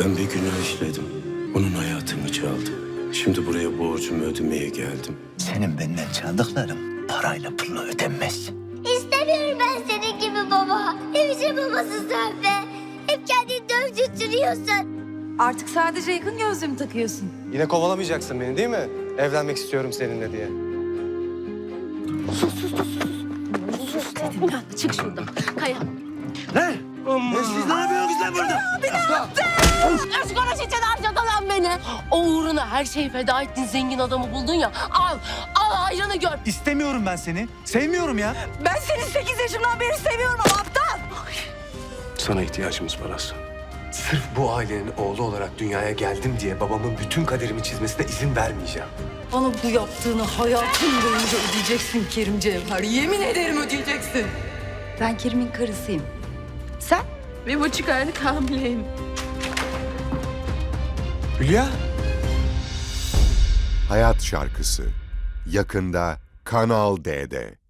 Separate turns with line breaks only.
Ben bir günah işledim. Onun hayatını çaldı. Şimdi buraya borcumu ödemeye geldim.
Senin benden çaldıkların parayla pulla ödenmez.
İstemiyorum ben senin gibi baba. Hemşire babası sen be. Hep kendini dövdürtüyorsun.
Artık sadece yakın gözlüğümü takıyorsun.
Yine kovalamayacaksın beni değil mi? Evlenmek istiyorum seninle diye.
Dedim ben de çık şuradan. Kaya.
Lan! Siz ne yapıyorsunuz lan burada?
Özgür için harcadı lan beni. O uğruna her şeyi feda ettin, zengin adamı buldun ya. Al hayrını gör.
İstemiyorum ben seni. Sevmiyorum ya.
Ben seni 8 yaşımdan beri seviyorum ama aptal.
Sana ihtiyacımız var Aslan.
Sırf bu ailenin oğlu olarak dünyaya geldim diye babamın bütün kaderimi çizmesine izin vermeyeceğim.
Bana bu yaptığını hayatın boyunca ödeyeceksin Kerim Cevher. Yemin ederim ödeyeceksin. Ben Kerim'in karısıyım. Sen? 1,5 aylık hamileyim.
Hülya.
Hayat Şarkısı yakında Kanal D'de.